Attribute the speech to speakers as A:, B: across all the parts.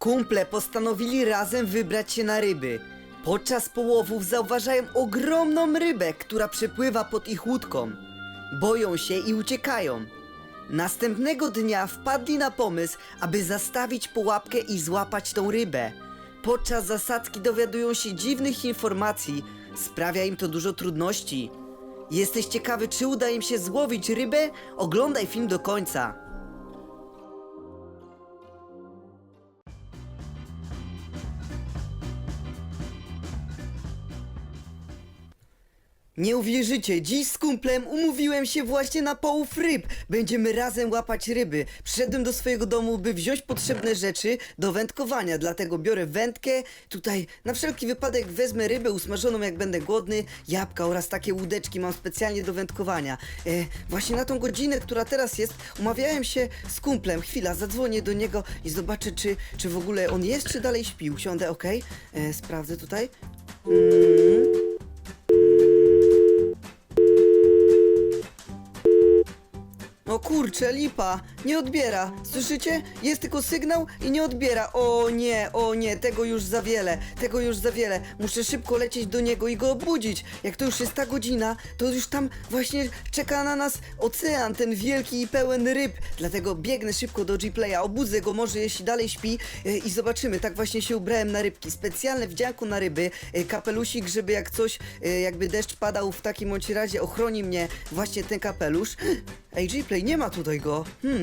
A: Kumple postanowili razem wybrać się na ryby. Podczas połowów zauważają ogromną rybę, która przepływa pod ich łódką. Boją się i uciekają. Następnego dnia wpadli na pomysł, aby zastawić pułapkę i złapać tą rybę. Podczas zasadzki dowiadują się dziwnych informacji. Sprawia im to dużo trudności. Jesteś ciekawy, czy uda im się złowić rybę? Oglądaj film do końca. Nie uwierzycie, dziś z kumplem umówiłem się właśnie na połów ryb. Będziemy razem łapać ryby. Przyszedłem do swojego domu, by wziąć potrzebne rzeczy do wędkowania. Dlatego biorę wędkę. Tutaj na wszelki wypadek wezmę rybę usmażoną, jak będę głodny. Jabłka oraz takie łódeczki mam specjalnie do wędkowania. Właśnie na tą godzinę, która teraz jest, umawiałem się z kumplem. Chwila, zadzwonię do niego i zobaczę, czy w ogóle on jest, czy dalej śpi. Usiądę, okej? Sprawdzę tutaj. O kurczę, lipa, nie odbiera, słyszycie? Jest tylko sygnał i nie odbiera. O nie, tego już za wiele, muszę szybko lecieć do niego i go obudzić. Jak to już jest ta godzina, to już tam właśnie czeka na nas ocean, ten wielki i pełen ryb. Dlatego biegnę szybko do G-Playa, obudzę go może jeśli dalej śpi i zobaczymy. Tak właśnie się ubrałem na rybki, specjalne wdzianko na ryby, kapelusik, żeby jak coś, jakby deszcz padał, w takim bądź razie ochroni mnie właśnie ten kapelusz. Ej, G-Play, nie ma tutaj go.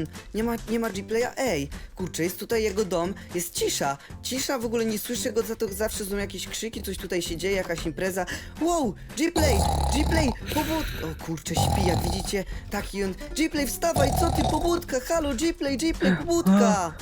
A: Nie ma G-Playa. Ej, kurczę, jest tutaj jego dom. Jest cisza. Cisza, w ogóle nie słyszę go, za to zawsze są jakieś krzyki, coś tutaj się dzieje, jakaś impreza. Wow, G-Play, pobudka. O kurczę, śpi, jak widzicie. Taki on. G-Play, wstawaj, co ty, pobudka? Halo, G-Play, pobudka.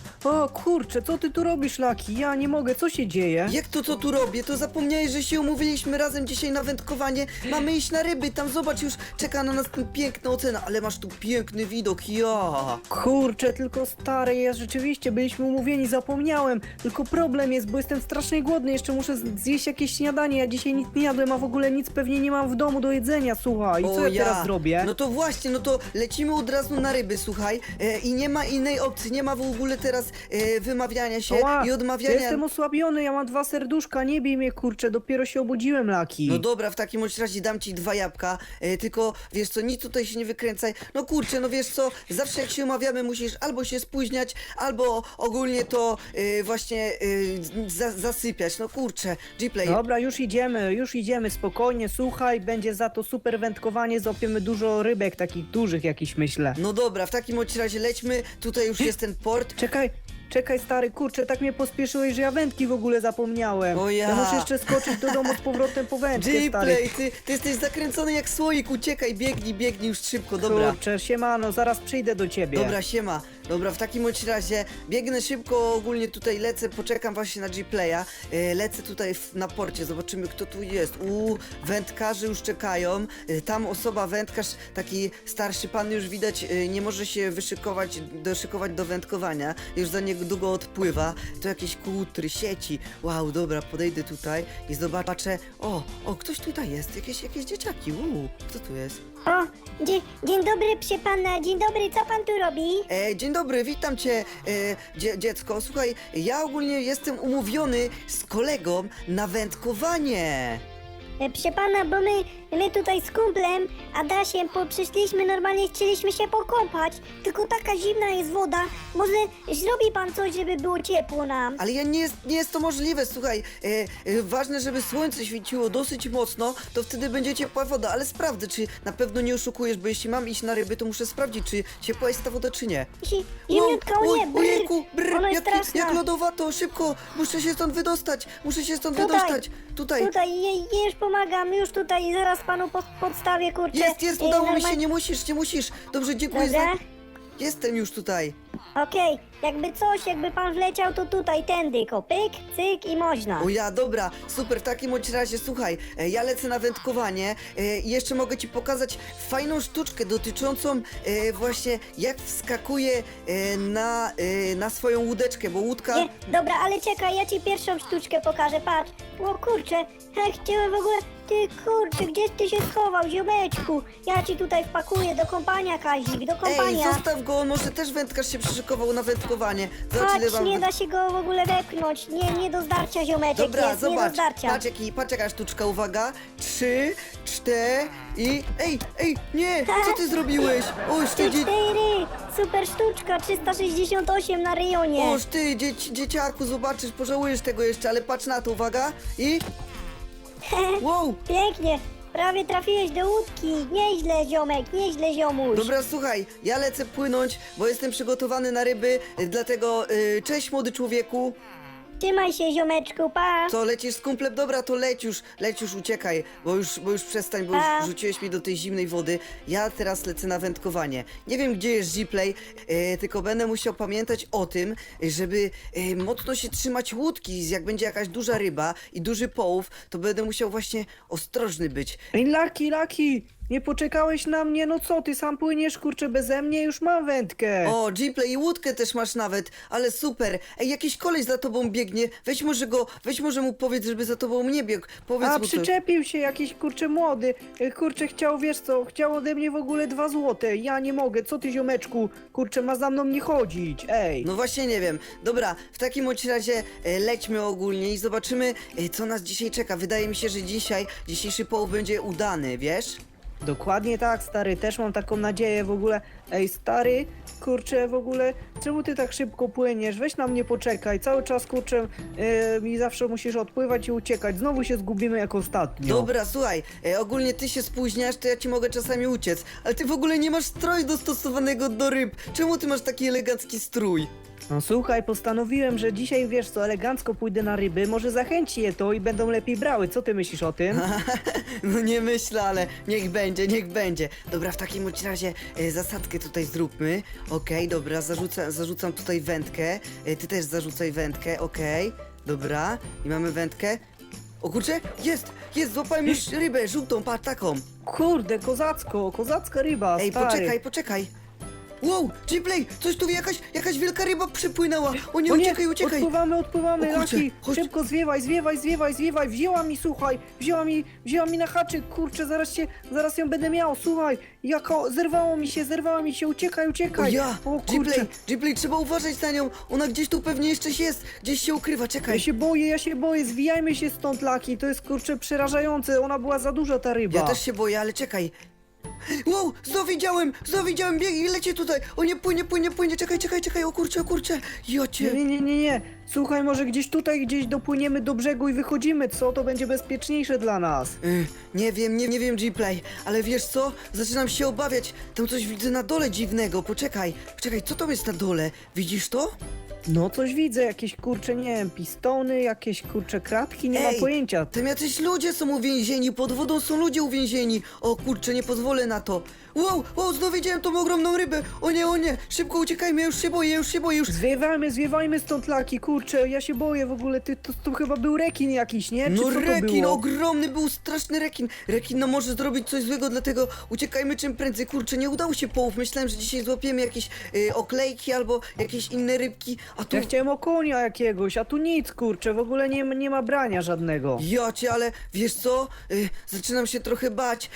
B: O kurczę, co ty tu robisz, Laki? Ja nie mogę, co się dzieje?
A: Jak to, co tu robię? To zapomniałeś, że się umówiliśmy razem dzisiaj na wędkowanie. Mamy iść na ryby, tam zobacz, już czeka na nas ten piękny ocean, ale masz tu piękny widok, ja.
B: Kurczę, tylko stary jest, rzeczywiście, byliśmy umówieni, zapomniałem. Tylko problem jest, bo jestem strasznie głodny, jeszcze muszę zjeść jakieś śniadanie, ja dzisiaj nic nie jadłem, a w ogóle nic pewnie nie mam w domu do jedzenia, słuchaj. I co ja teraz zrobię?
A: No to właśnie, no to lecimy od razu na ryby, słuchaj. I nie ma innej opcji, nie ma w ogóle teraz wymawiania się i odmawiania.
B: Jestem osłabiony, ja mam 2 serduszka, nie bij mnie, kurczę, dopiero się obudziłem, Laki.
A: No dobra, w takim bądź razie dam ci 2 jabłka, tylko wiesz co, nic tutaj się nie wykręcaj. No kurczę, no wiesz co, zawsze jak się umawiamy, musisz albo się spóźniać, albo ogólnie to właśnie zasypiać. No kurczę, G-Play.
B: Dobra, już idziemy, spokojnie, słuchaj, będzie za to super wędkowanie, złapiemy dużo rybek, takich dużych jakichś, myślę.
A: No dobra, w takim bądź razie lećmy, tutaj już jest ten port.
B: Czekaj stary, kurczę, tak mnie pospieszyłeś, że ja wędki w ogóle zapomniałem.
A: O ja.
B: Ja muszę jeszcze skoczyć do domu z powrotem po wędkę, stary.
A: G-Play, ty jesteś zakręcony jak słoik, uciekaj, biegnij już szybko, dobra.
B: Kurczę, siemano, zaraz przyjdę do ciebie.
A: Dobra, siema. Dobra, w takim bądź razie biegnę szybko, ogólnie tutaj lecę, poczekam właśnie na G-Playa. Lecę tutaj na porcie, zobaczymy kto tu jest. Wędkarze już czekają. Tam osoba, wędkarz, taki starszy pan już widać, nie może się doszykować do wędkowania. Już za niedługo odpływa. To jakieś kłutry, sieci. Wow, dobra, podejdę tutaj i zobaczę. O, ktoś tutaj jest, jakieś dzieciaki. Kto tu jest?
C: O, dzień dobry, psie pana, dzień dobry, co pan tu robi?
A: Dzień dobry, witam cię, dziecko. Słuchaj, ja ogólnie jestem umówiony z kolegą na wędkowanie.
C: Psie pana, bo my tutaj z kumplem, Adasiem, przyszliśmy, normalnie chcieliśmy się pokąpać, tylko taka zimna jest woda, może zrobi pan coś, żeby było ciepło nam?
A: Ale nie jest to możliwe, słuchaj, ważne, żeby słońce świeciło dosyć mocno, to wtedy będzie ciepła woda, ale sprawdzę, czy na pewno nie oszukujesz, bo jeśli mam iść na ryby, to muszę sprawdzić, czy ciepła jest ta woda, czy nie.
C: Zimniutka, o nie,
A: Ojejku,
C: ona jest straszna.
A: jak lodowato, szybko, muszę się stąd wydostać, Tutaj.
C: Już pomagam, już tutaj, zaraz panu podstawię, kurczę.
A: Jest, udało mi się, nie musisz. Dobrze, dziękuję
C: Dobra.
A: Jestem już tutaj.
C: Okej, jakby pan wleciał, to tutaj, tędy, pyk, cyk i można.
A: O ja, dobra, super, w takim bądź razie, słuchaj, ja lecę na wędkowanie i jeszcze mogę ci pokazać fajną sztuczkę dotyczącą właśnie jak wskakuje na swoją łódeczkę, bo łódka...
C: Nie, dobra, ale czekaj, ja ci pierwszą sztuczkę pokażę, patrz. O kurczę, ja chciałem w ogóle... Ty kurczę, gdzie ty się schował, ziomeczku? Ja ci tutaj wpakuję do kąpania, Kazik, do kąpania.
A: Ej, zostaw go, on może też wędkarz się przyszykował na wędkowanie. Zobacz, ile
C: Patrz,
A: mam...
C: nie da się go w ogóle wepchnąć. Nie do zdarcia, ziomeczek
A: Dobra,
C: jest, nie do
A: zobacz,
C: zdarcia.
A: patrz jaka sztuczka, uwaga. 3, 4 i... Ej, nie, co ty zrobiłeś? Oż ty,
C: 4, super sztuczka, 368 na rejonie.
A: oż ty dzieciaku, zobaczysz, pożałujesz tego jeszcze, ale patrz na to, uwaga. I... Wow,
C: Pięknie, prawie trafiłeś do łódki. Nieźle, ziomek, nieźle, ziomuś.
A: dobra, słuchaj, ja lecę płynąć, bo jestem przygotowany na ryby, dlatego cześć młody człowieku.
C: Trzymaj się, ziomeczku, pa.
A: Co, lecisz z kumplem? Dobra, to leć już, uciekaj, bo już przestań, bo
C: A.
A: już rzuciłeś mnie do tej zimnej wody. Ja teraz lecę na wędkowanie. Nie wiem, gdzie jest Gplay, tylko będę musiał pamiętać o tym, żeby mocno się trzymać łódki. Jak będzie jakaś duża ryba i duży połów, to będę musiał właśnie ostrożny być.
B: Ej, Laki, nie poczekałeś na mnie? No co, ty sam płyniesz, kurczę, beze mnie? Już mam wędkę.
A: O, Gplay, i łódkę też masz nawet, ale super. Ej, jakiś koleś za tobą biegnie, weź może mu powiedz, żeby za tobą nie biegł. Powiedz
B: A,
A: mu to.
B: przyczepił się jakiś, kurczę, młody. Kurczę, chciał, wiesz co, chciał ode mnie w ogóle 2 złote. Ja nie mogę, co ty, ziomeczku? Kurczę, ma za mną nie chodzić, ej.
A: No właśnie nie wiem. Dobra, w takim bądź razie lećmy ogólnie i zobaczymy, co nas dzisiaj czeka. Wydaje mi się, że dzisiejszy połów będzie udany, wiesz?
B: Dokładnie tak, stary, też mam taką nadzieję w ogóle. Ej, stary, kurczę, w ogóle, czemu ty tak szybko płyniesz? Weź na mnie poczekaj, cały czas, kurczę, mi zawsze musisz odpływać i uciekać. Znowu się zgubimy jak ostatnio.
A: Dobra, słuchaj, ogólnie ty się spóźniasz, to ja ci mogę czasami uciec, ale ty w ogóle nie masz stroju dostosowanego do ryb. Czemu ty masz taki elegancki strój?
B: No słuchaj, postanowiłem, że dzisiaj, wiesz co, elegancko pójdę na ryby, może zachęci je to i będą lepiej brały. Co ty myślisz o tym?
A: No nie myślę, ale niech będzie. Dobra, w takim bądź razie zasadkę tutaj zróbmy. Okej, dobra, zarzucam tutaj wędkę. Ty też zarzucaj wędkę, okej. Dobra, i mamy wędkę. O kurczę, jest, złapałem już rybę, żółtą, patrz, taką.
B: Kurde, kozacka ryba,
A: Ej,
B: stary.
A: poczekaj. Wow, Gplay, coś tu jakaś wielka ryba przypłynęła. O nie,
B: O nie,
A: uciekaj.
B: odpływamy,
A: O kurczę,
B: Laki,
A: chodź.
B: szybko zwiewaj, wzięła mi, słuchaj, wzięła mi na haczyk, kurczę, zaraz ją będę miał, słuchaj, zerwało mi się, uciekaj,
A: O ja,
B: o kurczę,
A: Gplay, trzeba uważać na nią. Ona gdzieś tu pewnie jeszcze jest, gdzieś się ukrywa, czekaj.
B: ja się boję, zwijajmy się stąd, Laki, to jest, kurczę, przerażające, ona była za duża, ta ryba.
A: Ja też się boję, ale czekaj. Wow, znowu widziałem, biegnie, leci tutaj. O nie, płynie, czekaj, o kurczę. Jocie.
B: Nie, słuchaj, może gdzieś dopłyniemy do brzegu i wychodzimy, co? To będzie bezpieczniejsze dla nas.
A: Nie wiem, Gplay, ale wiesz co? Zaczynam się obawiać. Tam coś widzę na dole dziwnego. Poczekaj, co tam jest na dole? Widzisz to?
B: No coś widzę, jakieś kurcze, nie wiem, pistony, jakieś kurcze kratki, nie mam pojęcia.
A: Tam jacyś ludzie są uwięzieni, pod wodą są ludzie uwięzieni. O kurczę, nie pozwolę na to. Wow, znowu widziałem tą ogromną rybę. O nie, szybko uciekajmy, ja już się boję.
B: Zwiewajmy stąd, Laki, kurczę, ja się boję w ogóle, to chyba był rekin jakiś, nie? Czy
A: No
B: co to
A: rekin,
B: było?
A: ogromny był, straszny rekin. Rekin nam może zrobić coś złego, dlatego uciekajmy czym prędzej. Kurczę, nie udało się połów. Myślałem, że dzisiaj złapiemy jakieś oklejki albo jakieś inne rybki, a tu...
B: Ja chciałem okonia jakiegoś, a tu nic, kurczę, w ogóle nie ma brania żadnego.
A: Jocie, ale wiesz co? Zaczynam się trochę bać.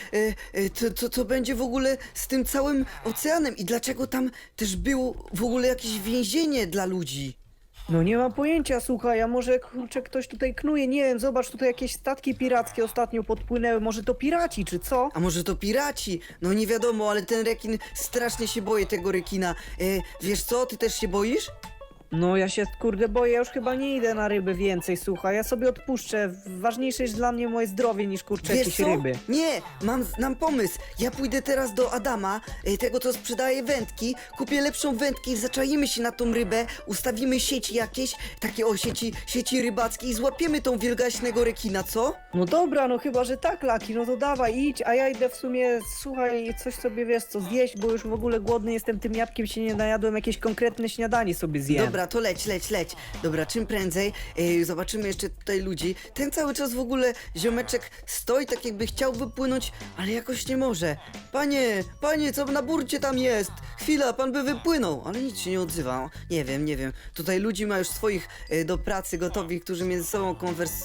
A: Co będzie w ogóle z tym całym oceanem i dlaczego tam też było w ogóle jakieś więzienie dla ludzi?
B: No nie mam pojęcia, słuchaj, a może kurczę ktoś tutaj knuje, nie wiem, zobacz, tutaj jakieś statki pirackie ostatnio podpłynęły, może to piraci, czy co?
A: A może to piraci? No nie wiadomo, ale ten rekin, strasznie się boję tego rekina. Wiesz co? Ty też się boisz?
B: No ja się, kurde, boję, ja już chyba nie idę na ryby więcej, słuchaj, ja sobie odpuszczę, ważniejsze jest dla mnie moje zdrowie niż, kurczę,
A: Wiesz
B: jakieś
A: co?
B: ryby.
A: Nie, mam pomysł. Ja pójdę teraz do Adama, tego co sprzedaje wędki, kupię lepszą wędkę i zaczaimy się na tą rybę, ustawimy sieci jakieś, takie sieci rybackie i złapiemy tą wielgaśnego rekina, co?
B: No dobra, no chyba, że tak, Laki, no to dawaj, idź, a ja idę w sumie, słuchaj, coś sobie, wiesz co, zjeść, bo już w ogóle głodny jestem, tym jabłkiem się nie najadłem, jakieś konkretne śniadanie sobie zjem.
A: Dobra, to leć. Dobra, czym prędzej. Zobaczymy jeszcze tutaj ludzi. Ten cały czas w ogóle ziomeczek stoi tak jakby chciał wypłynąć, ale jakoś nie może. Panie, co na burcie tam jest? Chwila, pan by wypłynął, ale nic się nie odzywa. Nie wiem. Tutaj ludzi ma już swoich do pracy gotowych, którzy między sobą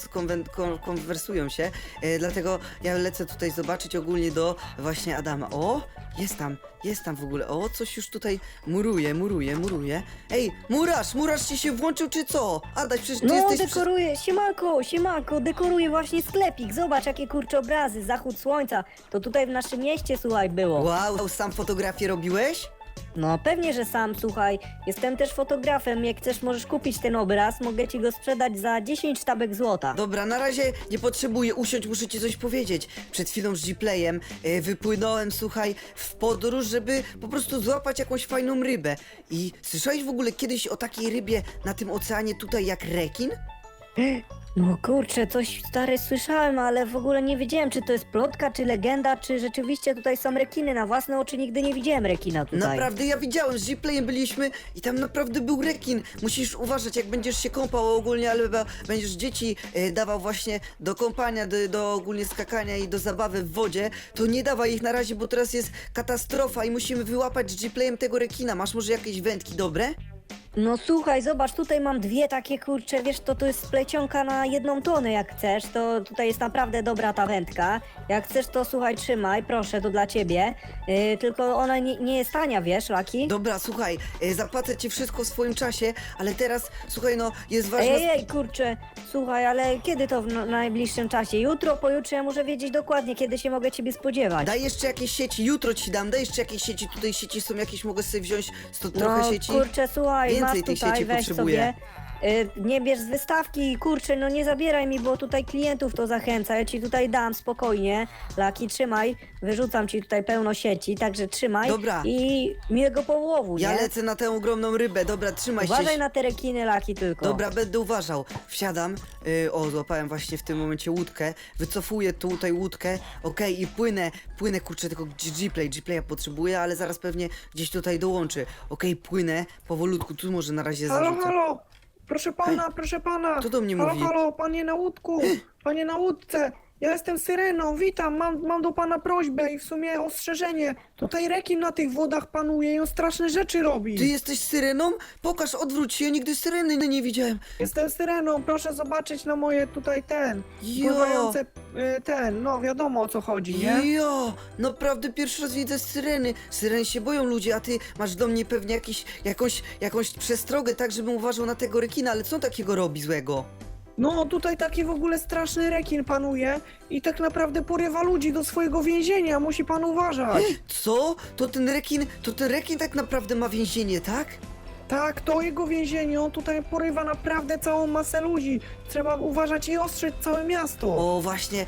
A: konwersują się. Dlatego ja lecę tutaj zobaczyć ogólnie do właśnie Adama. O, jest tam. Jest tam w ogóle. O, coś już tutaj muruje. Ej, murarz ci się włączył czy co? Adaś, przecież ty
C: No,
A: jesteś...
C: dekoruję, siemanko, dekoruję właśnie sklepik. Zobacz, jakie kurcze obrazy, zachód słońca. To tutaj w naszym mieście, słuchaj, było.
A: Wow, sam fotografię robiłeś?
C: No, pewnie, że sam, słuchaj. Jestem też fotografem, jak chcesz, możesz kupić ten obraz. Mogę ci go sprzedać za 10 sztabek złota.
A: Dobra, na razie nie potrzebuję usiąść, muszę ci coś powiedzieć. Przed chwilą z G-Playem wypłynąłem, słuchaj, w podróż, żeby po prostu złapać jakąś fajną rybę. I słyszałeś w ogóle kiedyś o takiej rybie na tym oceanie tutaj jak rekin?
C: No kurczę, coś stary słyszałem, ale w ogóle nie wiedziałem, czy to jest plotka, czy legenda, czy rzeczywiście tutaj są rekiny. Na własne oczy nigdy nie widziałem rekina tutaj.
A: Naprawdę, ja widziałem, z G-Playem byliśmy i tam naprawdę był rekin. Musisz uważać, jak będziesz się kąpał ogólnie, ale będziesz dzieci dawał właśnie do kąpania, do ogólnie skakania i do zabawy w wodzie, to nie dawaj ich na razie, bo teraz jest katastrofa i musimy wyłapać z G-Playem tego rekina. Masz może jakieś wędki dobre?
C: No słuchaj, zobacz, tutaj mam dwie takie kurcze, wiesz, to jest splecionka na 1 tonę, jak chcesz, to tutaj jest naprawdę dobra ta wędka. Jak chcesz, to słuchaj, trzymaj, proszę, to dla ciebie. Tylko ona nie jest tania, wiesz, Laki?
A: Dobra, słuchaj, zapłacę ci wszystko w swoim czasie, ale teraz, słuchaj, no, jest ważna...
C: Ej, kurczę, słuchaj, ale kiedy to w najbliższym czasie? Jutro, pojutrze, ja muszę wiedzieć dokładnie, kiedy się mogę ciebie spodziewać.
A: Daj jeszcze jakieś sieci, jutro ci dam, daj jeszcze jakieś sieci, tutaj sieci są jakieś, mogę sobie wziąć trochę
C: No
A: sieci.
C: kurczę, słuchaj,
A: Więcej
C: masz
A: tej
C: tutaj,
A: sieci
C: weź
A: potrzebuję.
C: sobie. Nie bierz z wystawki, kurczę, no nie zabieraj mi, bo tutaj klientów to zachęca. Ja ci tutaj dam spokojnie. Laki, trzymaj, wyrzucam ci tutaj pełno sieci, także trzymaj.
A: Dobra.
C: I miłego połowu,
A: Ja
C: nie?
A: lecę na tę ogromną rybę, dobra, trzymaj się.
C: Uważaj na te rekiny, Laki, tylko.
A: Dobra, będę uważał. Wsiadam. O, złapałem właśnie w tym momencie łódkę. Wycofuję tutaj łódkę. Okej, i płynę, kurczę, tylko G-Playa potrzebuję, ale zaraz pewnie gdzieś tutaj dołączy. Okej, płynę powolutku, tu może na razie
B: Halo,
A: zarzucę.
B: halo! Proszę pana!
A: Kto do mnie
B: halo,
A: mówi?
B: Halo, panie na łódku! Panie na łódce! Ja jestem Syreną, witam, mam do pana prośbę i w sumie ostrzeżenie. Tutaj rekin na tych wodach panuje i on straszne rzeczy robi.
A: Ty jesteś syreną? Pokaż, odwróć się, ja nigdy syreny nie widziałem.
B: Jestem Syreną, proszę zobaczyć na moje tutaj
A: Jo.
B: pływające no wiadomo o co chodzi, nie?
A: Jo, naprawdę pierwszy raz widzę syreny. Syreny się boją ludzie, a ty masz do mnie pewnie jakąś przestrogę, tak żebym uważał na tego rekina, ale co takiego robi złego?
B: No tutaj taki w ogóle straszny rekin panuje i tak naprawdę porywa ludzi do swojego więzienia, musi pan uważać.
A: Co? To ten rekin tak naprawdę ma więzienie, tak?
B: Tak, to jego więzienie, on tutaj porywa naprawdę całą masę ludzi. Trzeba uważać i ostrzec całe miasto.
A: O, właśnie,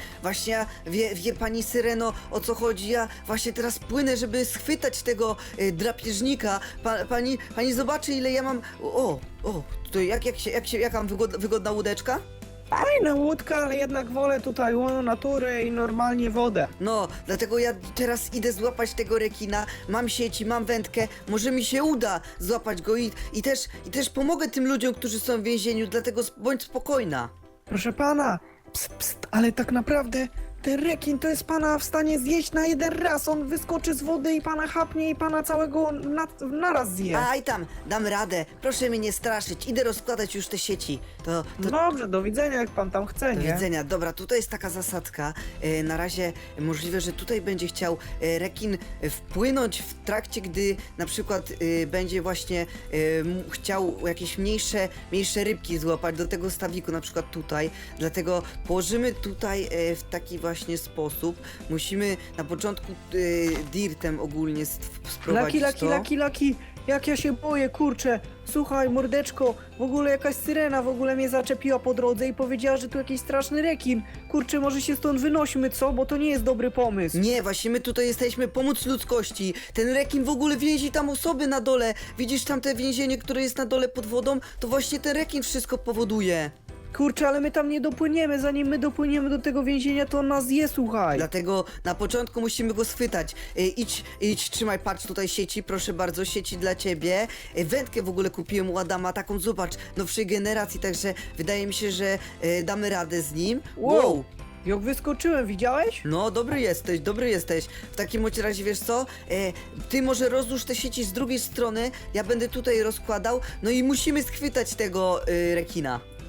A: wie pani Syreno, o co chodzi? Ja właśnie teraz płynę, żeby schwytać tego drapieżnika. Pani zobaczy, ile ja mam... O, to jaka mam wygodna łódeczka?
B: Fajna łódka, ale jednak wolę tutaj łono natury i normalnie wodę.
A: No, dlatego ja teraz idę złapać tego rekina, mam sieci, mam wędkę, może mi się uda złapać go i też pomogę tym ludziom, którzy są w więzieniu, dlatego bądź spokojna.
B: Proszę pana, pst, ale tak naprawdę ten rekin to jest pana w stanie zjeść na jeden raz. On wyskoczy z wody i pana chapnie i pana całego naraz zje.
A: Aj tam, dam radę, proszę mnie nie straszyć, idę rozkładać już te sieci. To
B: Dobrze, do widzenia jak pan tam chce,
A: do
B: nie?
A: widzenia. Dobra, tutaj jest taka zasadka. Na razie możliwe, że tutaj będzie chciał rekin wpłynąć w trakcie, gdy na przykład będzie właśnie chciał jakieś mniejsze rybki złapać do tego stawiku, na przykład tutaj. Dlatego położymy tutaj w taki właśnie sposób. Musimy na początku dirtem ogólnie sprowadzić
B: Laki, jak ja się boję, kurczę. Słuchaj, mordeczko, w ogóle jakaś syrena w ogóle mnie zaczepiła po drodze i powiedziała, że tu jakiś straszny rekin. Kurczę, może się stąd wynośmy, co? Bo to nie jest dobry pomysł.
A: Nie, właśnie my tutaj jesteśmy pomóc ludzkości. Ten rekin w ogóle więzi tam osoby na dole. Widzisz tam te więzienie, które jest na dole pod wodą? To właśnie ten rekin wszystko powoduje.
B: Kurczę, ale my tam nie dopłyniemy. Zanim my dopłyniemy do tego więzienia, to on nas zje, słuchaj.
A: Dlatego na początku musimy go schwytać. Idź, trzymaj, patrz tutaj sieci, proszę bardzo, sieci dla ciebie. Wędkę w ogóle kupiłem u Adama, taką zobacz, nowszej generacji, także wydaje mi się, że damy radę z nim.
B: Wow. Jak wyskoczyłem, widziałeś?
A: No, dobry jesteś. W takim bądź razie, wiesz co? Ty może rozłóż te sieci z drugiej strony, ja będę tutaj rozkładał, no i musimy schwytać tego rekina.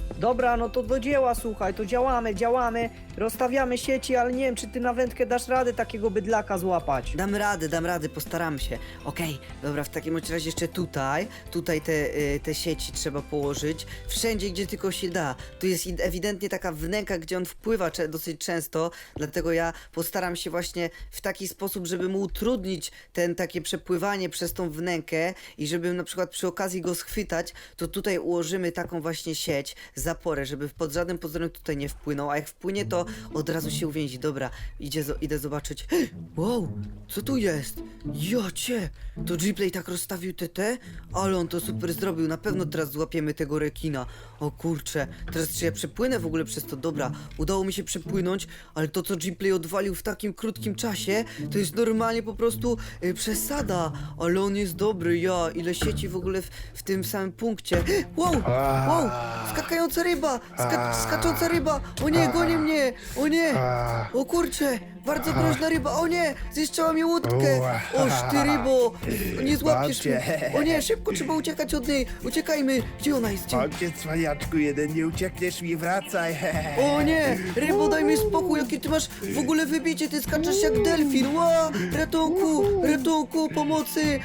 B: Dobra, no to do dzieła, słuchaj, to działamy, rozstawiamy sieci, ale nie wiem, czy ty na wędkę dasz radę takiego bydlaka złapać.
A: Dam radę, postaram się. Okej, dobra, w takim bądź razie jeszcze tutaj te sieci trzeba położyć. Wszędzie, gdzie tylko się da. Tu jest ewidentnie taka wnęka, gdzie on wpływa dosyć często, dlatego ja postaram się właśnie w taki sposób, żeby mu utrudnić takie przepływanie przez tą wnękę i żeby na przykład przy okazji go schwytać, to tutaj ułożymy taką właśnie sieć, zaporę, żeby pod żadnym pozorem tutaj nie wpłynął, a jak wpłynie, to od razu się uwięzi. Dobra, idę zobaczyć. Wow, co tu jest? Jocie, to Gplay tak rozstawił te, ale on to super zrobił. Na pewno teraz złapiemy tego rekina. O kurczę, teraz czy ja przepłynę w ogóle przez to? Dobra, udało mi się przepłynąć, ale to co Gplay odwalił w takim krótkim czasie, to jest normalnie po prostu przesada. Ale on jest dobry, ile sieci w ogóle w tym samym punkcie. Wow, skakająca ryba, skacząca ryba. O nie, goni mnie, o nie. O kurczę, bardzo groźna ryba. O nie, zniszczyła mi łódkę. Oż ty rybo, nie złapiesz mnie. O nie, szybko trzeba uciekać od niej. Uciekajmy. Gdzie ona jest?
D: Chodźcie, cwaniaczku jeden, nie uciekniesz mi, wracaj.
A: O nie, rybo, daj mi spokój, jakie ty masz w ogóle wybicie, ty skaczesz jak delfin. Ratunku, pomocy.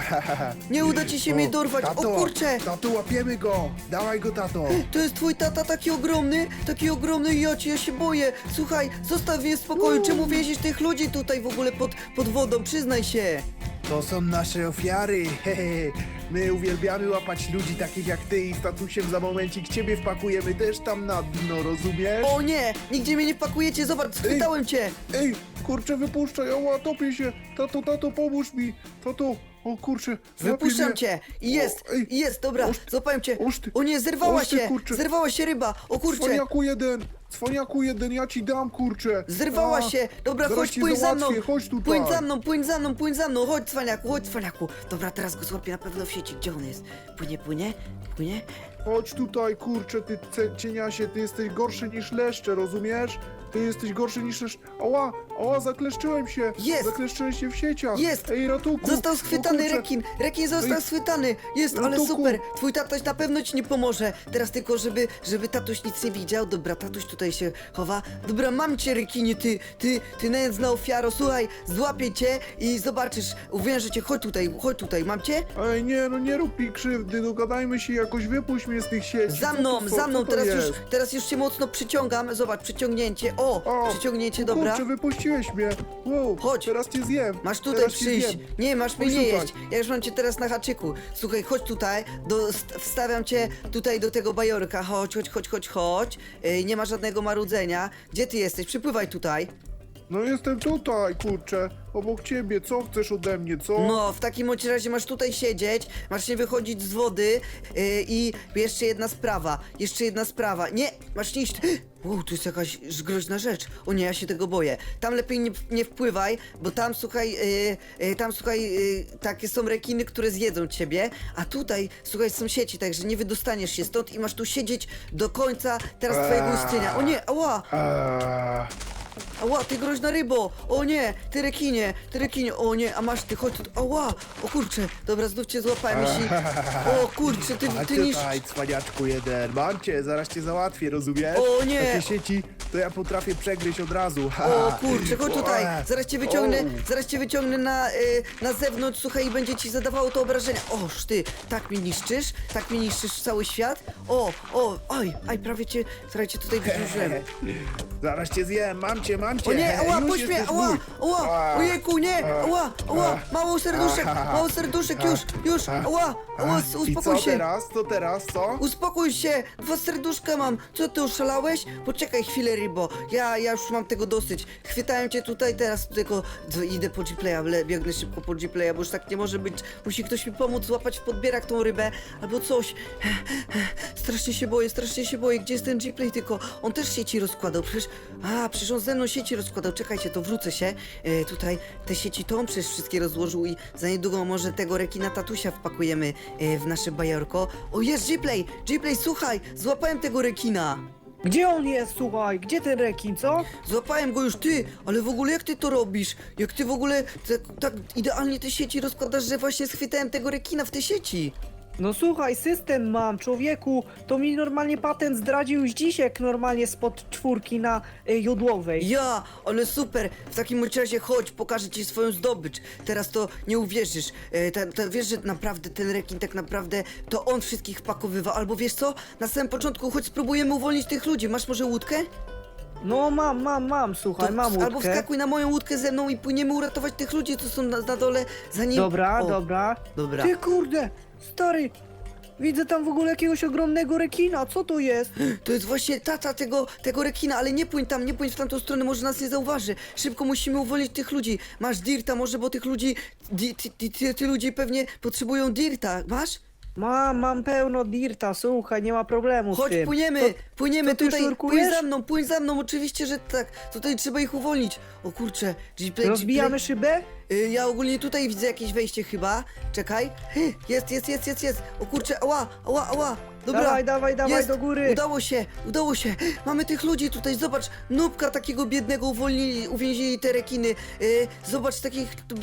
A: Nie uda ci się mnie dorwać. O kurczę.
D: Tato, łapiemy go. Dawaj go, tato.
A: To jest twój tata taki ogromny, ja się boję. Słuchaj, zostaw mnie w spokoju, czemu więzisz tych ludzi tutaj w ogóle pod wodą, przyznaj się.
D: To są nasze ofiary. My uwielbiamy łapać ludzi takich jak ty i z tatusiem za momencik ciebie wpakujemy też tam na dno, rozumiesz?
A: O nie, nigdzie mnie nie wpakujecie, zobacz, schwytałem cię.
D: Ej, kurczę, wypuszczaj, ała, topię się. Tato, pomóż mi. Tato, o kurczę, złapie
A: Wypuszczam
D: mnie.
A: cię i
D: Ej,
A: jest, dobra, złapałem cię.
D: oż ty,
A: O nie, zerwała
D: oż ty,
A: się,
D: kurczę.
A: zerwała się ryba, o kurczę.
D: Cwaniaku jeden, ja ci dam, kurczę.
A: Zerwała się! Dobra,
D: zaraz
A: chodź,
D: cię
A: płyń za mną!
D: załatwię, chodź tutaj.
A: Płyń za mną! Chodź, cwaniaku! Dobra, teraz go złapię na pewno w sieci. Gdzie on jest? Płynie?
D: Chodź tutaj, kurczę, ty cieniasie, ty jesteś gorszy niż leszcze, rozumiesz? Ty jesteś gorszy niż leszcze. Ała, zakleszczyłem się.
A: Jest!
D: Zakleszczyłem się w sieciach.
A: Jest!
D: Ej, ratunku.
A: Został
D: O
A: schwytany
D: kurczę.
A: rekin został
D: Ej,
A: schwytany! Jest, ale
D: ratunku.
A: super! Twój tatuś na pewno ci nie pomoże! Teraz tylko, żeby tatuś nic nie widział. Dobra, tatuś tutaj się chowa. Dobra, mam cię, rekinie, ty nędzna ofiaro. Słuchaj, złapię cię i zobaczysz, uwiężę cię. Chodź tutaj, mam cię?
D: Ej, nie rób mi krzywdy, dogadajmy się jakoś, wypuść mnie z tych sieci.
A: Za mną, teraz już się mocno przyciągam. Zobacz, przyciągnięcie. Przyciągnięcie, dobra.
D: Kurczę, wypuściłeś mnie. Wow,
A: Chodź.
D: teraz cię zjem.
A: Masz tutaj
D: Teraz cię
A: przyjść.
D: zjem.
A: Nie, masz mnie
D: Chodź
A: nie
D: tutaj.
A: jeść. Ja już mam cię teraz na haczyku. Słuchaj, chodź tutaj. Wstawiam cię tutaj do tego bajorka. Chodź. Nie ma żadnego marudzenia. Gdzie ty jesteś? Przypływaj tutaj.
D: No jestem tutaj, kurczę, obok ciebie, co chcesz ode mnie, co?
A: No, w takim bądź razie masz tutaj siedzieć, masz nie wychodzić z wody i jeszcze jedna sprawa. Nie, masz nie iść. Wow, tu jest jakaś groźna rzecz. O nie, ja się tego boję. Tam lepiej nie wpływaj, bo tam, słuchaj, takie są rekiny, które zjedzą ciebie, a tutaj, słuchaj, są sieci, także nie wydostaniesz się stąd i masz tu siedzieć do końca teraz twojego istnienia. O nie, ała! Ała, ty groźna rybo! O nie, ty rekinie! O nie, a masz ty, chodź tu, ała! O kurczę, dobra, znów cię złapałem, jeśli... O kurczę, ty niszczysz...
D: Tutaj, cwaniaczku jeden, mam cię, zaraz cię załatwię, rozumiesz?
A: O nie!
D: Takie sieci, to ja potrafię przegryźć od razu.
A: O kurczę, chodź tutaj, zaraz cię wyciągnę na zewnątrz, słuchaj, i będzie ci zadawało to obrażenia. Oż ty, tak mnie niszczysz cały świat? Aj, prawie cię tutaj wyciążyłem.
D: Zaraz cię zjem, mam cię.
A: O nie, ała,
D: Już
A: puść mnie,
D: jesteś
A: ała,
D: mój.
A: ojejku, nie, ała, mało serduszek, już, ała,
D: I
A: uspokój
D: co
A: się.
D: teraz, co?
A: Uspokój się, 2 serduszka mam. Co ty oszalałeś? Poczekaj chwilę, rybo. Ja już mam tego dosyć. Chwytałem cię tutaj teraz, tylko idę po Gplaya, biegnę szybko po Gplaya, bo już tak nie może być. Musi ktoś mi pomóc złapać w podbierak tą rybę albo coś. Strasznie się boję. Gdzie jest ten Gplay tylko? On też sieci rozkładał, przecież on ze mną sieci rozkładał. Czekajcie, to wrócę się. Tutaj te sieci to on przecież wszystkie rozłożył i za niedługo może tego rekina tatusia wpakujemy w nasze bajorko. O, jest Gplay, słuchaj, złapałem tego rekina.
B: Gdzie on jest, słuchaj? Gdzie ten rekin, co?
A: Złapałem go już, ty, ale w ogóle jak ty to robisz? Jak ty w ogóle tak idealnie te sieci rozkładasz, że właśnie schwytałem tego rekina w te sieci.
B: No słuchaj, system mam, człowieku, to mi normalnie patent zdradził Zdzisiek normalnie spod czwórki na Jodłowej.
A: Ja, ale super. W takim bądź razie chodź, pokażę ci swoją zdobycz. Teraz to nie uwierzysz. Wiesz, że naprawdę ten rekin tak naprawdę to on wszystkich wpakowywał. Albo wiesz co? Na samym początku chodź spróbujemy uwolnić tych ludzi. Masz może łódkę?
B: No mam, słuchaj, mam łódkę.
A: Albo wskakuj na moją łódkę ze mną i płyniemy uratować tych ludzi, co są na dole, zanim...
B: Dobra,
A: O,
B: dobra.
A: Dobra.
B: Ty kurde, stary, widzę tam w ogóle jakiegoś ogromnego rekina, co to jest?
A: To jest właśnie tata tego rekina, ale nie płyń tam, nie płyń w tamtą stronę, może nas nie zauważy. Szybko musimy uwolnić tych ludzi. Masz dirta może, bo tych ludzi... Ty ludzi pewnie potrzebują dirta. Masz?
B: Mam pełno dirta, słuchaj, nie ma problemu z
A: Chodź,
B: tym.
A: płyniemy
B: to ty
A: tutaj.
B: szurkujesz?
A: Płyń za mną, oczywiście, że tak. Tutaj trzeba ich uwolnić. O kurczę, Gplay,
B: Rozbijamy szybę?
A: Ja ogólnie tutaj widzę jakieś wejście chyba. Czekaj. Jest. O kurczę, ała. Dobra.
B: Dawaj,
A: jest.
B: do góry.
A: Udało się. Mamy tych ludzi tutaj, zobacz. Nubka takiego biednego uwięzili te rekiny. Zobacz takich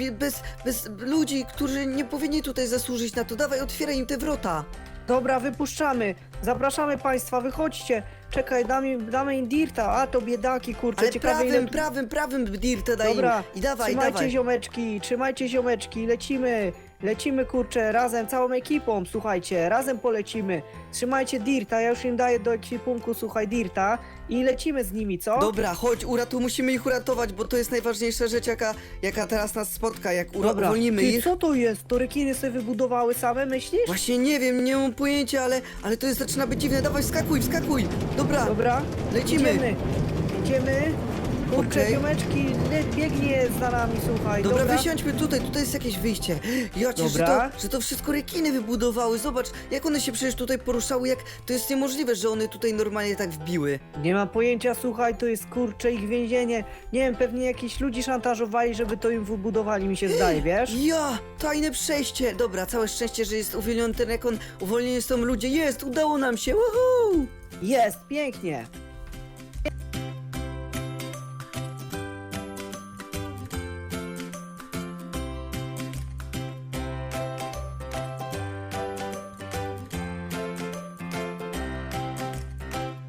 A: bez ludzi, którzy nie powinni tutaj zasłużyć na to. Dawaj, otwieraj im te wrota.
B: Dobra, wypuszczamy. Zapraszamy państwa, wychodźcie. Czekaj, damy im dirta. A to biedaki, kurczę,
A: Ale
B: ciekawe ile...
A: prawym dirta daj
B: Dobra,
A: im. I dawaj,
B: trzymajcie ziomeczki, lecimy kurczę, razem, całą ekipą, słuchajcie, razem polecimy. Trzymajcie dirta, ja już im daję do ekwipunku, słuchaj, dirta i lecimy z nimi, co?
A: Dobra, chodź, musimy ich uratować, bo to jest najważniejsza rzecz, jaka teraz nas spotka, jak
B: Dobra,
A: uwolnimy
B: ty,
A: ich.
B: co to jest? To rekiny sobie wybudowały same, myślisz?
A: Właśnie nie wiem, nie mam pojęcia, ale to jest, zaczyna być dziwne. Dawaj, wskakuj! Dobra,
B: Dobra,
A: lecimy.
B: Idziemy. Kurczę,
A: Okej.
B: ziomeczki, biegnie za nami, słuchaj,
A: Dobra, wysiądźmy tutaj jest jakieś wyjście. Jacie,
B: Dobra.
A: że to wszystko rekiny wybudowały. Zobacz, jak one się przecież tutaj poruszały, jak to jest niemożliwe, że one tutaj normalnie tak wbiły.
B: Nie mam pojęcia, słuchaj, to jest kurczę ich więzienie. Nie wiem, pewnie jakiś ludzi szantażowali, żeby to im wybudowali, mi się zdaje, wiesz?
A: Ja, tajne przejście. Dobra, całe szczęście, że jest uwolniony ten rekon. Uwolnieni są ludzie. Jest, udało nam się. Woohoo!
B: Jest, pięknie.